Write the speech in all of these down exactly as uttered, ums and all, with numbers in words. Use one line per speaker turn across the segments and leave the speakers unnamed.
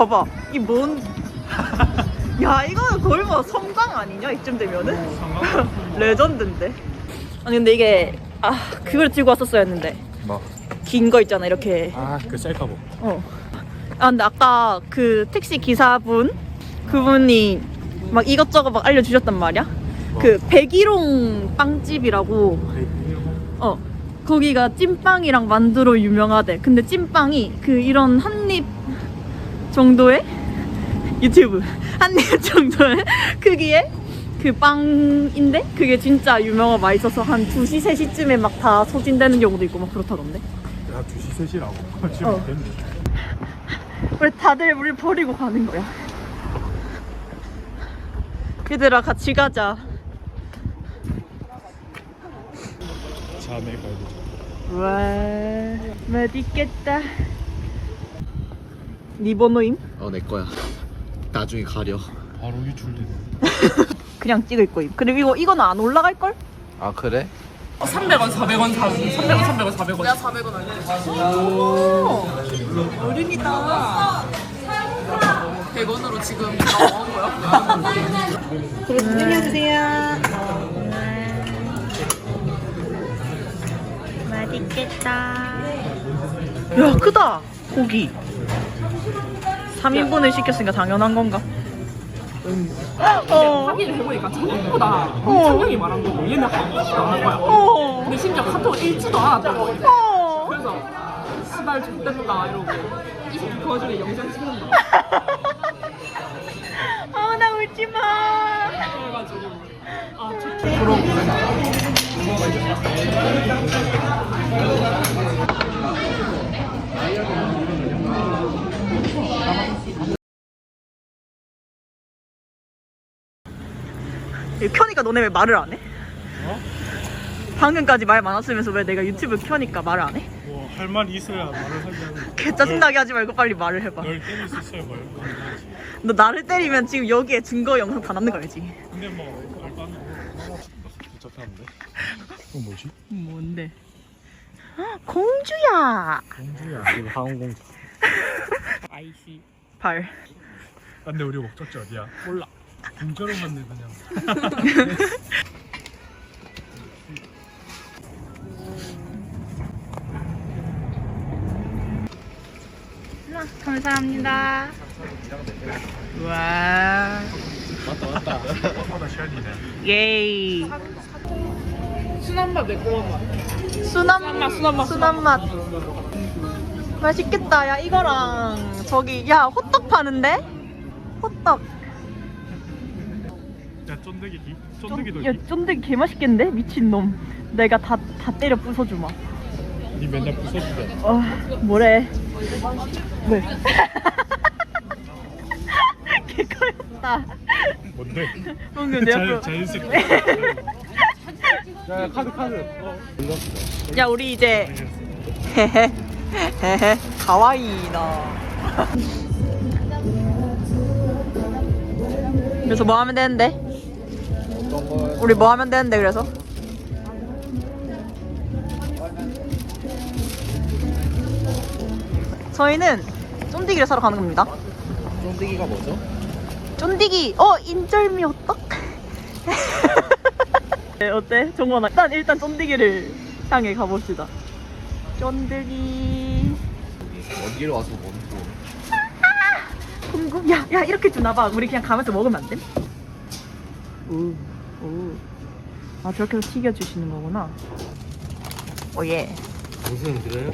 봐봐. 이 뭔. 야, 이거는 거의 뭐 성당 아니냐? 이쯤 되면은? 레전드인데. 아니, 근데 이게, 아, 그걸 들고 왔었어야 했는데.
뭐?
긴 거 있잖아, 이렇게.
아, 그 셀카보.
어. 아, 근데 아까 그 택시 기사분? 그분이 막 이것저것 막 알려주셨단 말이야?
뭐?
그 백일홍 빵집이라고. 어. 거기가 찐빵이랑 만두로 유명하대. 근데 찐빵이 그 이런 한입 정도의 유튜브 한입 정도의 크기의 그 빵인데 그게 진짜 유명하고 맛있어서 한 두 시, 세 시쯤에 막 다 소진되는 경우도 있고 막 그렇다던데.
야, 두 시, 세 시라고. 지금
어.
됐네.
우리 다들 우리 버리고 가는 거야. 얘들아 같이 가자.
자네 가야 되죠.
와, 맛있겠다. 네 번호임?
어, 내 거야. 나중에 가려.
바로 유출되네.
그냥 찍을 거임. 그리고 이거, 이거는 안 올라갈 걸?
아, 그래?
삼백 원, 사백 원, 삼백 원, 삼백 원, 사백 원. 내가 사백 원 알려.
오, 어른이다.
백 원으로 지금 나온 거야?
그리고 챙겨주세요. 맛있겠다. 야, 크다. 고기. 삼 인분을 시켰으니까 당연한 건가? 어.
확인을 해보니까 생각보다 엄청 형이 말한 거고 얘는 한 번도 안 한 거야.
어.
근데 심지어 카톡을 읽지도 않았다고.
어.
그래서 시발 X됐다 이러고 이 새끼 그 와중에 영상 찍는다.
어, 나 울지 마.
그래가지고 아 저
이거 켜니까 너네 왜 말을 안 해?
어?
방금까지 말 많았으면서 왜 내가 유튜브 켜니까 말을 안 해?
뭐, 할 말이 있어야 말을 하지 않는.
개 짜증나게 하지 말고 빨리 말을 해봐.
널 때릴 수 있어야 말.
너 나를 때리면 지금 여기에 증거 영상 다 남는 거 알지?
근데 뭐, 알바는 복잡한데? 그건 뭐지?
뭔데? 공주야.
공주야. 이거 항공공주.
아이씨.
발.
아, 근데 우리 목적지 어디야? 몰라. 공짜로 갔네 그냥.
감사합니다. 와.
맞다 맞다. 생각보다 시간이네.
예이.
순한 맛 매콤한 맛.
순한 맛, 순한 맛, 순한 맛. 맛있겠다. 야, 이거랑 저기 야, 호떡 파는데? 호떡.
야, 쫀득이 기? 쫀득이도
야,
기?
쫀득이 개 맛있겠는데? 미친놈. 내가 다, 다 때려 부숴주마.
니 맨날 부숴주잖아.
어, 뭐래? 왜? 개 커였다.
뭔데?
방금 내 앞으로.
자연, 자연스럽게. 야, 카드 카드. 어.
야, 우리 이제 헤헤 헤헤 가와이나. 그래서 뭐 하면 되는데? 우리 뭐 하면 되는데 그래서? 저희는 쫀디기를 사러 가는 겁니다.
쫀득이가 뭐죠?
쫀디기! 어! 인절미 호떡? 네, 어때? 정원아, 일단 일단 쫀디기를 향해 가봅시다. 쫀디기.
어디로 와서 먹고?
궁금. 야, 야, 이렇게 주나봐. 우리 그냥 가면서 먹으면 안 돼? 오, 오. 아, 저렇게 해서 튀겨주시는 거구나. 오예.
무슨 그래요?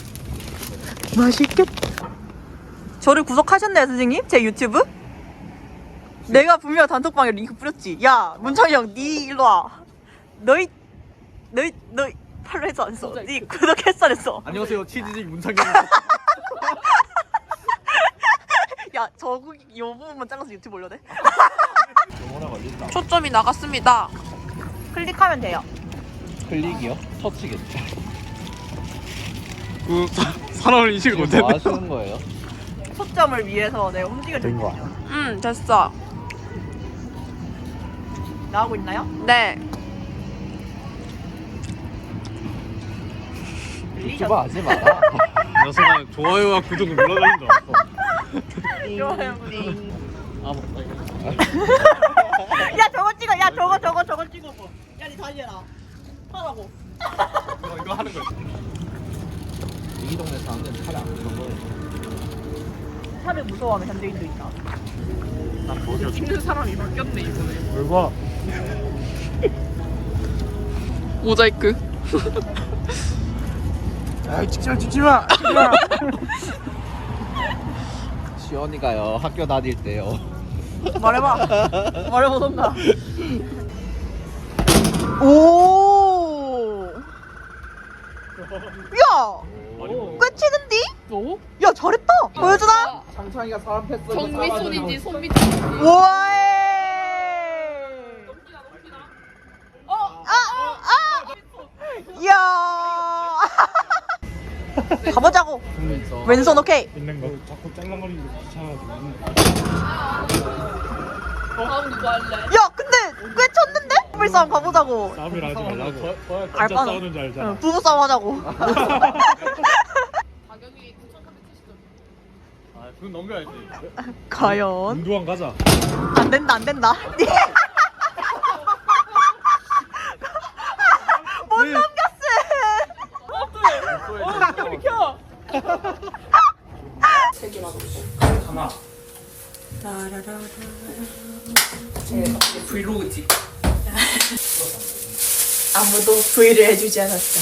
맛있겠다. 저를 구독하셨나요, 선생님? 제 유튜브? 내가 분명 단톡방에 링크 뿌렸지. 야, 문창이 형, 니 일로 와. 너희, 너희, 너희 팔로 했어 안 했어? 니 구독했어 안 했어?
안녕하세요, 치즈직 문상경.
야, 저거 요 부분만 잘라서 유튜브 올려도 돼?
전화 걸린다.
초점이 나갔습니다.
클릭하면 돼요.
클릭이요? 터치겠죠.
그 사람을 인식을
뭐
못했네.
하시는 거예요?
초점을 위해서 내가 움직여줄게.
응, 됐어.
나오고 있나요?
네.
유튜브 하지 마라.
녀석아 좋아요와 구독을 눌러달린 줄 알았어.
좋아요.
아 먹다 이거.
야 저거 찍어. 야 저거 저거 저거 찍어봐. 야니 다시 해라. 하라고.
이거 이거 하는 거. 이 동네 사람들은 차를 안 타는 거예요.
차를 무서워하는 현대인도 있다.
난 뭐죠?
찍는 사람이 바뀌었네 이번에.
뭘 봐?
모자이크.
아 찍지 찍지 마. 찍지 마.
시원이가요 학교 다닐 때요.
말해봐. 말해보던가. 오. 야. 꽤 치는디?
뭐?
야 잘했다. 보여주나?
창창이가 사람 패스.
정미손인지 손미손인지.
우와. 어, 아, 아. 이야. 가보자고. 왼손 오케이.
있는 거. 자꾸 짤랑거리는 거 귀찮아가지고.
다음 누구 할래?
야, 근데 꽤 쳤는데? 불싸움 가보자고.
싸움이라 하지 말라고. 진짜
알바는.
싸우는 줄 알잖아.
응, 부부싸움 하자고.
가격이 구천삼백칠십 점.
아 그건 넘겨야지.
과연?
운두왕 가자.
안 된다, 안 된다. 못
네.
넘겼어.
어 비켜.
하나.
브이로그 찍.
아무도 V를 해주지 않았다.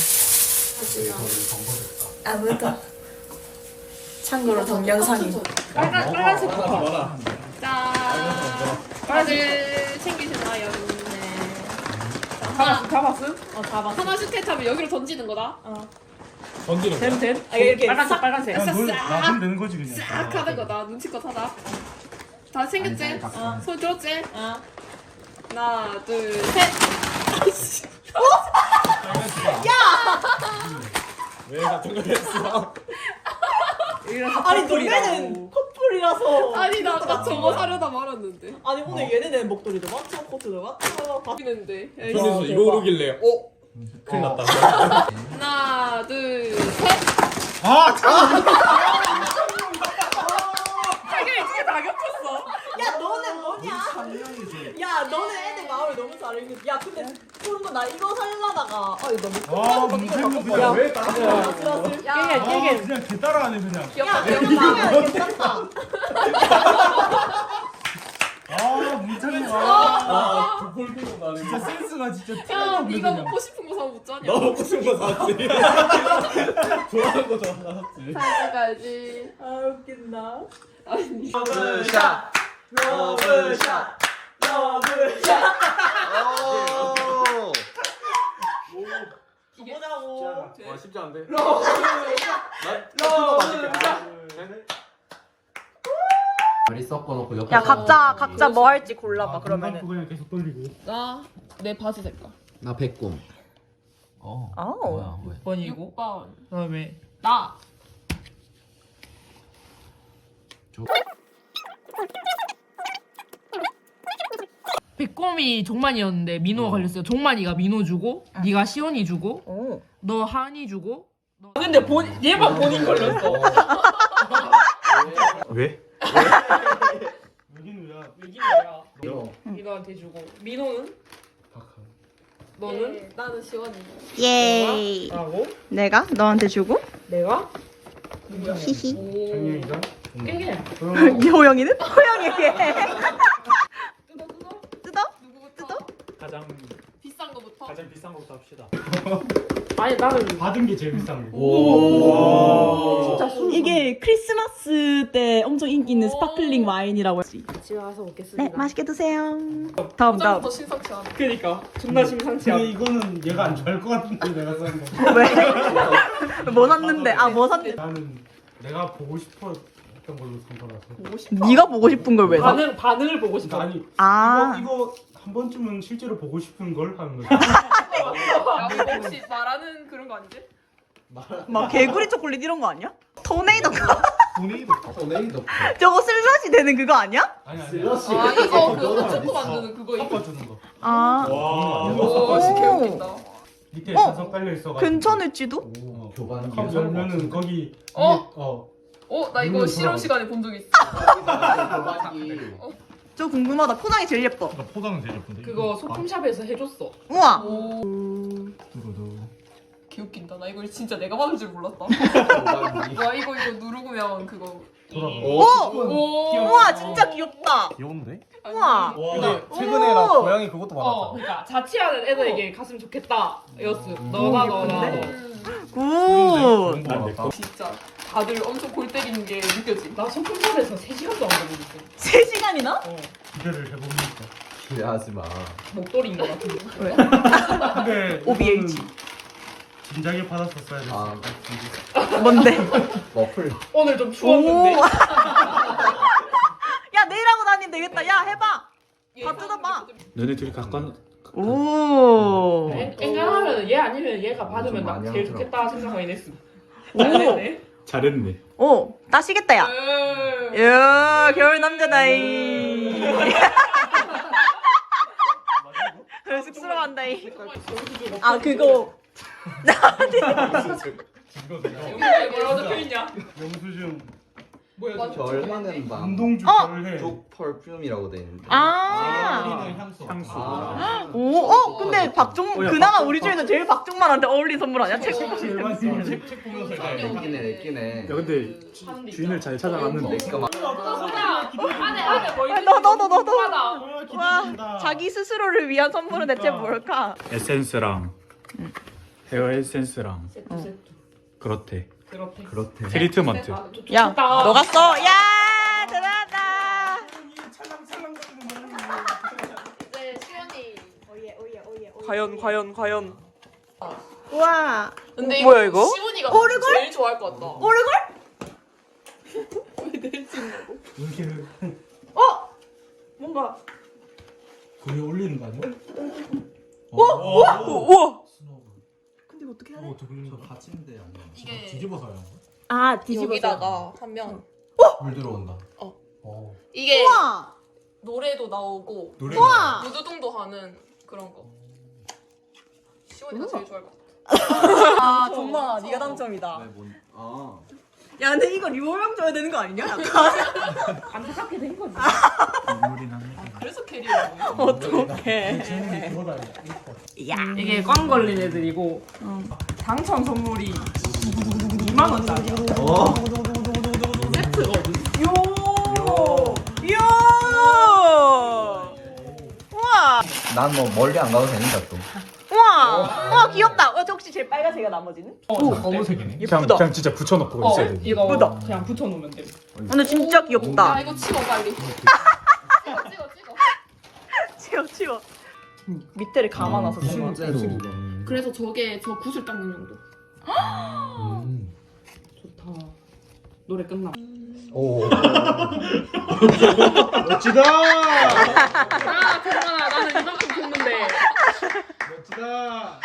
아무도. 참고로 동영상이.
빨간 빨간색부터. 짠. 다들 챙기셨나요? 네. 다 다 봤음? 어, 다 봤음. 하나씩 택하면 여기로 던지는 거다.
던지는 거야.
됨 됨.
아, 이렇게
빨간색 빨간색.
그냥 물
싹
놔두면 되는 거지 그냥.
싹 하는 거다. 눈치껏 하다. 다 챙겼지? 어. 손 들었지? 어. 하나, 둘, 셋.
왜 같은 거 했어?
아니, 너네는 커플이라서.
아니 나, 나 저거 사려다 말았는데.
아니, 오늘 얘네는 목도리도 맞춰, 코트도 맞춰.
바뀌는데.
그래서 이거 오르길래 어? 큰일 났다.
하나, 둘, 셋.
아 참.
이게 이게 다 겹쳤어.
야, 너는 뭐냐? 야, 너는 애들 마음을 너무 잘 읽는. 야, 근데 그런 거 나 이거 살라다가 아, 이거 너무
아
큰
문제는
거
그냥 왜 따라?
야,
아 그냥 개 따라하네 그냥.
귀엽다.
귀엽다. 괜찮다.
아 문찬이 아
아 볼펜 나네.
진짜 센스가 진짜
야,
틀림없네
네가
그냥.
먹고 싶은 거 사면 못
너
자냐?
먹고 싶은 거 사왔지. 좋아하는 거 사왔지.
가야지.
아, 웃긴다.
아니.
러브샷. 러브샷.
러브샷.
오.
가보자고.
와 쉽지 않은데.
러브샷.
머리 섞어놓고 옆에.
야, 각자 각자 뭐 할지 골라봐. 그러면은.
그냥 계속 돌리고.
나 내 바지 색깔.
나 백곰. 어.
아우.
뭐야 왜?
번이고. 육 번.
그다음에
나.
백곰이 종만이었는데 민호가 걸렸어요. 종만이가 민호 주고, 네가 시원이 주고,
오.
너 한이 주고.
근데 본 얘만 본인 걸렸어.
왜?
여기는 야.
이기야.
너.
민호한테 주고. 민호는? 너는? 나는 시원이.
예이.
라고?
내가 너한테 주고.
내가?
히히.
장영이가.
깨게.
이 호영이는? 호영이에게.
뜯어 뜯어.
뜯어?
누구부터?
가장
비싼 거부터.
가장 비싼 것부터 합시다.
아니 나는
받은 게 제일 비싼 거.
오.
진짜 술.
이게 크리스마스 때 엄청 인기 있는
오.
스파클링 와인이라고 했지.
집에 가서 먹겠습니다.
네, 맛있게 드세요. 다음 다음.
포장부터 심상치 않아. 그니까 존나 심상치
근데 이거는 얘가 안 좋아할 것 같은데 내가 싼 거.
왜? 뭐 샀는데? 아, 뭐 샀는데?
나는 내가 보고 싶었던 걸로 산 거라서.
네가 보고 싶은 걸 왜 사?
반응 반응을 보고 싶어.
아니
아.
이거 이거 한 번쯤은 실제로 보고 싶은 걸 하는 거지.
야, 뭐 혹시 말하는 그런 거 아니지?
막 개구리 초콜릿 이런 거 아니야? 토네이도
도네이도.
도네이도.
저거 슬러시 되는 그거 아니야?
아니 아니.
슬러시.
아 이거 그거 초코 만드는 그거 이거.
섞어 주는 거.
아.
와.
오, 씨 개웃긴다.
밑에
어?
사서 깔려 있어 가지고.
괜찮을지도?
교반.
컵 열면은 거기
어?
위에, 어
어? 나 이거 실험 시간에 본 적 있어.
저 궁금하다. 포장이 제일 예뻐.
나 포장은 제일 예쁜데.
그거 소품샵에서 해줬어.
우와.
오.
두루두.
개웃긴다. 나 이거 진짜 내가 받을 줄 몰랐다. 와 이거 이거 누르면 그거.
돌아가.
오.
오.
우와 진짜 귀엽다.
귀여운데?
우와.
근데
오.
최근에 나 고양이 그것도
어,
받았잖아.
그러니까 자취하는 애들에게 갔으면 좋겠다. 였어. 너가 너가 너.
굿.
받았다.
진짜 다들 엄청 골 때리는 게 느껴지.
나 소품샵에서 세 시간도 안 걸리겠어.
세 시간이나?
어.
기대를 해봅니까?
기대하지 마.
목도리인 것 같은데.
근데
오비에이치.
이거는 진작에 받았었어야 됐어.
아,
뭔데?
머플.
오늘 좀 추웠는데.
오. 야 내일 하고 다니면 되겠다. 야 해봐. 다 뜯어봐.
너네 둘이 가까운.
오.
엔간하면 얘 아니면 얘가 받으면 나
많이
제일
하더라.
좋겠다 생각하긴 했어.
오.
잘했네.
잘했네.
오. 따시겠다 야.
음.
야 겨울 남자다이. 쑥스러워한다이. 아 그거.
여기 뭐라고 적혀있냐?
영수증.
뭐야
맞아.
저거?
결하는 밤.
운동주
어!
결해.
쪽 펄퓸이라고 돼 있는데.
아.
향수. 향수.
아.
오. 어 근데 박종 그나마 우리 중에는 제일 박종만한테 어울린 선물 아니야? 책.
제일 많이 써. 책, 책 보면서 이제.
내끼네 내끼네.
야 근데
한디
주인을 잘 찾아갔는데.
내가 막
소나 안에 안에 뭐 있지?
너, 너, 너, 너, 너.
궁금하다.
와 자기 스스로를 위한 선물은 대체 뭘까?
에센스랑 헤어 에센스랑
세트 세트.
그렇대.
그렇대.
그렇대.
트리트먼트.
아, 좋-
야
좋다.
너가 써. 야 대단하다.
이제 시연이.
과연 과연 과연. 우와.
근데
뭐야, 이거?
시온이가
오르골?
제일 좋아할 것 같다.
오르골?
왜 내일 찍는다고?
이렇게
어? 뭔가.
그게 올리는 거 아니야?
우와 우와 우와. 근데 이거 어떻게 해야 돼?
어떻게 올리는 거야?
받침대 아니야.
이게
뒤집어서 하는 거야?
아 뒤집어서.
여기다가 하면
물 들어온다.
어.
이게
우와.
노래도 나오고
노래.
우와.
무드등도 하는 그런 거. 시온이가
우와.
제일 좋아할 것 같아.
아 정말 네가 당첨이다.
왜 뭔? 아.
야 근데 이거 리오명 줘야 되는 거 아니냐? 약간.
안타깝게 된 거지.
눈물이 나네.
그래서 캐리어네.
어떡해.
재밌는 그거다.
야.
이게 꽝 걸린 애들이고 당첨 선물이 이만 원짜리야.
어?
세트거든.
요. 요. 우와.
난 뭐 멀리 안 가도 되니까 또.
우와. 우와 귀엽다. 어, 저 혹시 제일 빨간색이야 나머지는?
어,
검은색이네.
예쁘다.
그냥, 그냥 진짜 붙여놓고
어,
있어야 돼.
이거
예쁘다.
그냥 붙여놓으면 돼.
근데 진짜
야
귀엽다.
이거 치워 빨리. 찍어 찍어 찍어.
치워 치워. 밑에를 감아놔서 정말.
실제로.
그래서 저게 저 굿을 닦는 용도.
음.
좋다. 노래 끝나.
오.
멋지다.
아, 정말 나는 이만큼 줬는데.
멋지다.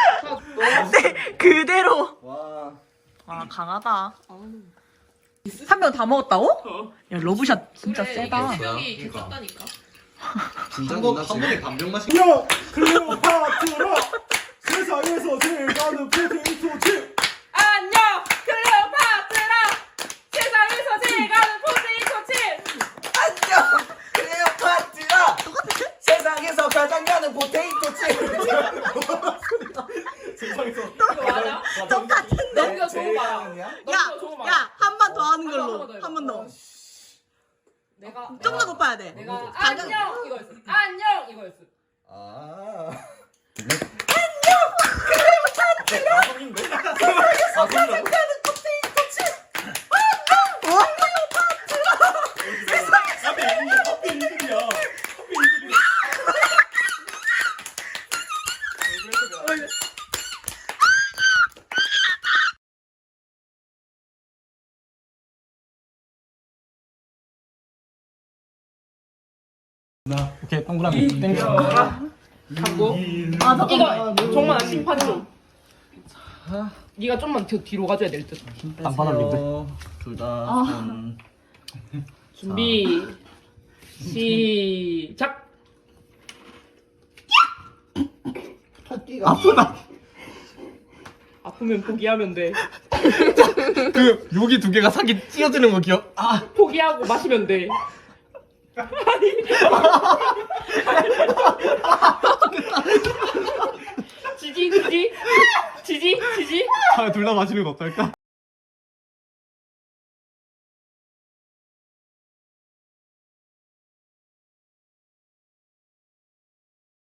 그대로.
와.
아 강하다. 한 명 다 먹었다고? 야 러브샷 진짜
그래,
세다.
이게 수영이 괜찮다니까.
진짜 한 번에 반병 마시.
야 클레오파트라 세상에서 제일 가는 포테이토 칩.
안녕, 클레오파트라. 세상에서 제일 가는 포테이토 칩.
안녕. 클레오파트라. 세상에서 가장 가는 포테이토 칩.
세상에서
이거 맞아?
똑같은데?
넘겨줘봐.
야.
넘겨줘봐.
야 한 번 더 하는
한
걸로.
번 더,
한 번 더.
내가
좀 더 높아야 돼.
내가
가장-
안녕 이거였어. 안녕 이거였어.
아.
하필 이들이야. 하필 이들이야. 나 오케이 동그라미 땡겨.
잡고.
아 잠깐만.
이거 정말 심판 좀. 네가 좀만 더 뒤로 가줘야 될 듯.
땅바닥인데.
둘다 손.
준비. 시작.
아프다.
아 아프면 포기하면 돼.
그 여기 두 개가 사기 찢어지는 거 기억? 아
포기하고 마시면 돼. 지지 지지 지지 지지.
둘 다 마시는 거 어떨까?